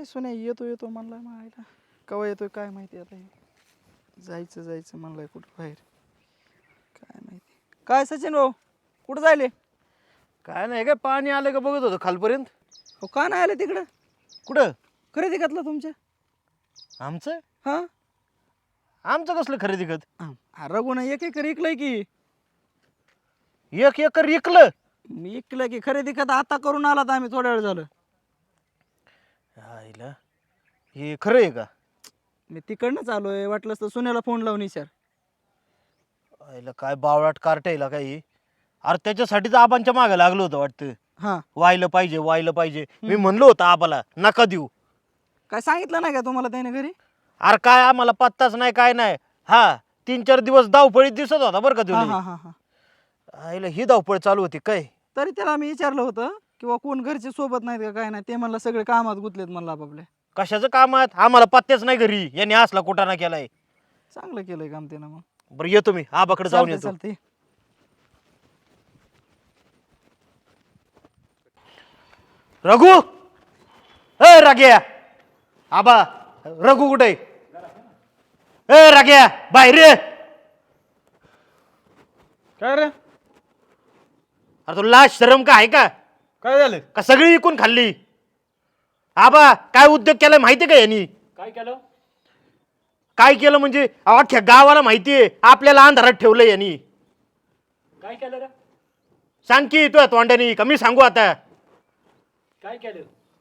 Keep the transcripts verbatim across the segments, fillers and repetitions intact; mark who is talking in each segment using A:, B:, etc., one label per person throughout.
A: सुने येतो येतो म्हणलाय मायला, कवा येतोय काय माहिती. आता जायचं जायचं म्हणलाय कुठं बाहेर, काय माहिती. काय सचिन भाऊ कुठं जायले?
B: काय नाही काय पाणी आलं का बघत होतं खालपर्यंत.
A: हो का नाही आले तिकडं?
B: कुठं?
A: खरेदी घातलं तुमच्या?
B: आमचं
A: हा
B: आमचं कसलं खरेदी खत?
A: रघुना एक एकर इकलंय की.
B: एक एकर विकलं?
A: मी इकलं की खरेदी खत आता करून आलात आम्ही, थोड्या वेळ झालं.
B: आईला हे खरं आहे का?
A: मी तिकडनंच आलोय, वाटलंच तर सुनेला फोन लावून विचार.
B: आईला काय बावळाट कार्टायला काही. अरे त्याच्यासाठीच आबांच्या मागे लागलो होतं वाटतं.
A: हा
B: व्हायला पाहिजे व्हायला पाहिजे. मी म्हणलो होतं आबाला नका देऊ.
A: काय सांगितलं नाही का तुम्हाला त्याने घरी?
B: अरे काय आम्हाला पत्ताच नाही काय नाही. हा तीन चार दिवस धावपळीत दिसत होता बरं का
A: हा
B: तुम्ही.
A: हा हा हा
B: आईला ही धावपळ चालू होती काय.
A: तरी त्याला आम्ही विचारलं होतं किंवा कोण घरचे सोबत नाहीत का काय नाही, ते म्हणलं सगळे कामात गुंतलेत म्हणलं आपापल्या.
B: कशाचं कामात? आम्हाला पत्त्याच नाही घरी. यांनी असला कुटाणा केलाय.
A: चांगलं केलंय काम त्यानं. मग
B: बरं येतो मी आबाकडे जाऊन येतो.
A: चालते.
B: रघु ए राग्या आबा रघु कुठे? ए राग्या बाहेर रे.
C: काय रे?
B: अरे तो लाज शरम का आहे का?
C: काय झालं?
B: का सगळी इकून खाल्ली? आबा काय उद्योग केलाय माहितीये का यांनी?
C: काय केलं?
B: काय केलं म्हणजे अख्ख्या गावाला माहितीये आपल्याला अंधारात ठेवलंय यांनी.
C: काय केलं रे?
B: सांग की तू तोंडानी का मी सांगू आता?
C: काय केलं?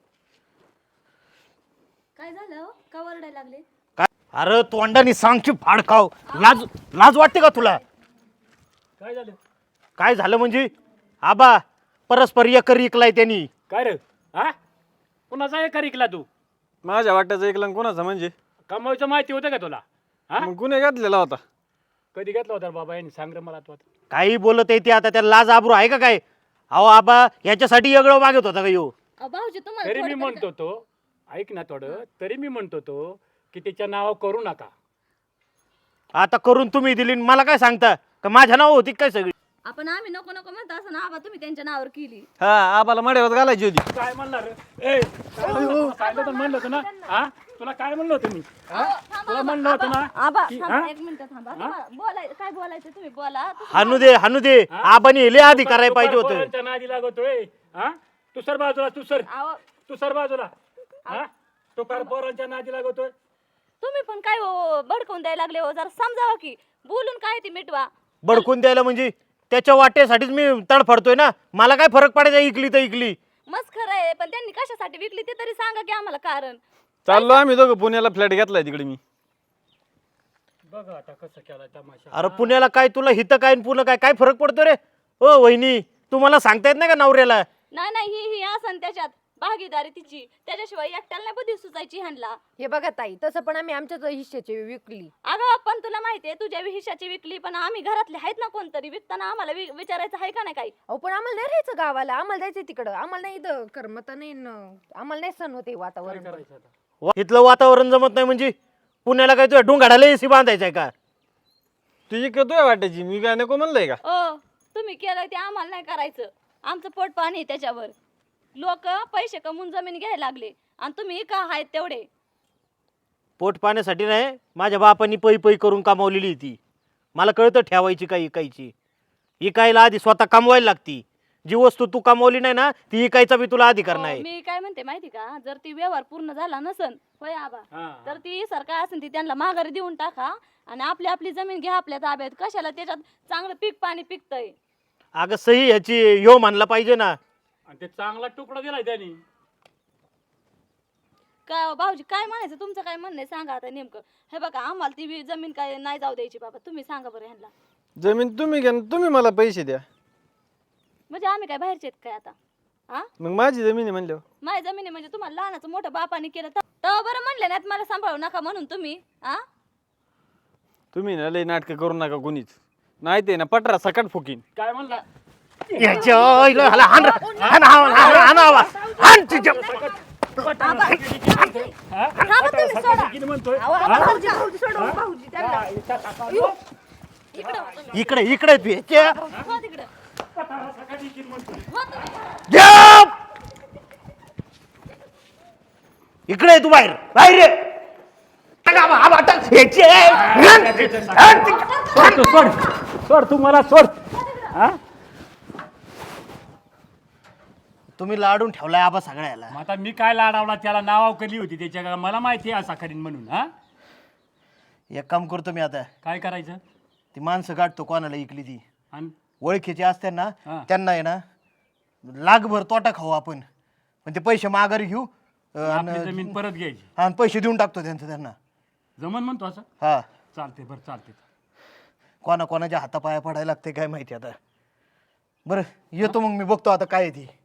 D: काय झालं? का ओरडायला लागले?
B: काय अरे तोंडानी सांग की फाड खाव. लाज लाज वाटते का तुला?
C: काय झालं?
B: काय झालं म्हणजे आबा परस्पर एकर इकलाय त्यांनी.
C: काय रे? हा? कुणाचा एकर इकला तू?
E: माझ्या वाट्याचं ऐकलं कोणाचं म्हणजे?
C: कमाईचं माहिती होतं का तुला? हा?
E: मग गुन्हे घातलेला होता.
C: कधी घेतला होता रे बाबा यांनी? सांग रे मला तू आता.
B: काही बोलत आहे ते आता. त्याला लाज आबरू आहे का काय? अहो आबा याच्यासाठी एगळं मागत होता का यो?
D: अहो, भाऊजी तुम्हाला
C: तरी मी
D: थोडं
C: म्हणतो तो ऐक ना थोडं, तरी मी म्हणतो तो की त्याच्या नाव करू नका.
B: आता करून तुम्ही दिली आणि मला काय सांगता का माझ्या नाव होती काय सगळी?
D: आपण आम्ही नको नको म्हणतो असं ना, आबा तुम्ही त्यांच्या नावावर केली.
E: हा आबाला मड्यावर घालायची होती.
C: काय म्हणणार रे? ए काय म्हणलं? काय तर म्हणलं होतं ना? हा तुला काय म्हणलं होतं मी? हा? तुला म्हणलं होतं ना
D: आबा
C: की-
D: थांबा,
C: हा?
D: एक मिनिट थांबा. तुम्हाला बोलाय काय बोलायचं तुम्ही बोला. तुम्ही
B: हानू दे हानू दे. आबानी हेले आधी करायला पाहिजे होतं.
C: पोरांच्या नादी लागतोय. हा तू सर बाजूला, तू सर
D: अहो,
C: तू सर बाजूला. हा तो कार पोरांच्या नादी लागतोय.
D: तुम्ही पण काय हो भडकवून द्यायला लागले हो, जरा समजावा की. बोलून काय ती मिटवा.
B: बडकून द्यायला म्हणजे त्याच्या वाटेसाठीच मी तडफडतोय ना. मला काय फरक पडायचा इकली तर इकली.
D: मस्त खरं आहे, पण त्यांनी कशासाठी विकली ते तरी सांगा की आम्हाला कारण.
E: चाललो आम्ही दोघं पुण्याला फ्लॅट घेतलाय तिकडे मी.
C: बघ आता कसं केला तमाशा.
B: अरे पुण्याला काय तुला हिथं काय पुन्हा काय काय फरक पडतो रे? ओ वहिनी तुम्हाला सांगता येत नाही का नवऱ्याला?
D: नाही नाही ही ही असं त्याच्यात भागीदारी तिची, त्याच्याशिवाय एकट्याला नाही बुद्धी सुचायची ह्यांना.
F: हे बघा ताई, तसं पण आम्ही आमच्याच हिश्श्याची विकली.
D: अगं पण तुला माहितीये तुझ्या हिश्श्याची विकली, पण आम्ही घरातले आहेत ना कोणतरी विकताना आम्हाला वि- विचारायचं आहे का नाही काही?
F: अहो पण आम्हाला नाही राहायचं गावाला, आम्हाला जायचं तिकडं. आम्हाला नाही इथं करमत नाही न, आम्हाला नाही सण होते वातावरण.
C: करायचं आता?
B: वा- इथलं वातावरण जमत नाही म्हणजे पुण्याला काय तुझ्या डोंगाडाला एसी बांधायचंय का?
E: तुझी तुझ्या वाट्याची मी काय नको म्हणलंय का?
D: ओ तुम्ही केलं ते आम्हाला नाही करायचं. आमचं पोट पाणी आहे त्याच्यावर. लोक पैसे कमवून जमीन घ्यायला लागले आणि तुम्ही का आहेत तेवढे.
B: पोट पाण्यासाठी नाही, माझ्या बापांनी पै पै करून कमावलेली ती. मला कळतं ठेवायची काही इकायची. इकायला आधी स्वतः कमवायला लागती. जी वस्तू तू कमावली नाही ना ती इकायचा बी तुला अधिकार
D: हो,
B: नाही.
D: मी काय म्हणते माहिती का, जर ती व्यवहार पूर्ण झाला नसन होय आबा,
C: हा.
D: तर ती सरकार असेल ती त्यांना माघारी देऊन टाका आणि आपली आपली जमीन घ्या आपल्या ताब्यात. कशाला त्याच्यात चांगलं पीक पाणी पिकतंय.
B: अगं सही ह्याची ह्यो मानला पाहिजे ना.
C: आणि ते चांगला तुकडा दिलाय त्यांनी.
D: काय हो भाऊजी काय म्हणायचं, तुमचं काय म्हणणं आहे सांगा आता नेमकं. हे बघा आम्हाला ती वि- जमीन काय नाही जाऊ द्यायची बाबा, तुम्ही सांगा बरं ह्यांना.
E: जमीन तुम्ही घ्या न तुम्ही मला पैसे द्या.
D: म्हणजे आम्ही काय बाहेरचे आहेत काय आता? हा
E: मग माझी जमीन आहे म्हणल्यावर.
D: माझी जमीन आहे म्हणजे तुम्हाला लहानाचं मोठं बापाने केलं तर तेव्हा बरं म्हणले नाहीत मला सांभाळू नका म्हणून तुम्ही. हा
E: तुम्ही ना लई नाटकं करू नका कोणीच. नाही ते ना पटरा सकट फुकीन.
C: काय म्हणला?
B: याच्या आईला ह्याला हाण रे. हाण, हाण, हाण, हाण आवा. हाण तुझ्या.
D: थांबा तुम्ही, सोडा.
C: किती म्हणतोय?
D: अहो, आबा, भाऊजी, भाऊजी, सोडा, भाऊजी, त्यांना. इकडं वा तुम्ही.
B: इकडे इकडे तू ह्याच्या.
D: हो तिकडं.
C: सकाळी किती म्हणतोय?
D: हो तुम्ही.
B: गप! इकडे ये तू बाहेर बाहेर ये. टाक आबा, आबा, टाक. ह्याची आहे.
C: सोड तू, सोड सोड तू मला सोड. हा
B: तुम्ही लाडून ठेवलाय आबा सगळ्याला.
C: मग आता मी काय लाडावला त्याला नावाव केली होती त्याच्या का मला माहिती आहे असा करीन म्हणून. हा
B: एक काम करतो मी आता,
C: काय करायचं
B: ती माणसं काढतो कोणाला इकली ती
C: आणि
B: ओळखीची असते ना
C: हा.
B: त्यांना आहे ना लागभर तोटा खाऊ आपण, पण ते पैसे माघारी घेऊ अं,
C: आपली
B: आणि
C: जमीन परत घ्यायची.
B: आणि पैसे देऊन टाकतो त्यांचं त्यांना.
C: जमन म्हणतो असं.
B: हा
C: चालते बरं चालते.
B: कोणा कोणाच्या हातापाया पडायला लागते काय माहिती आता. बरं येतो मग मी, बघतो आता काय आहे ती.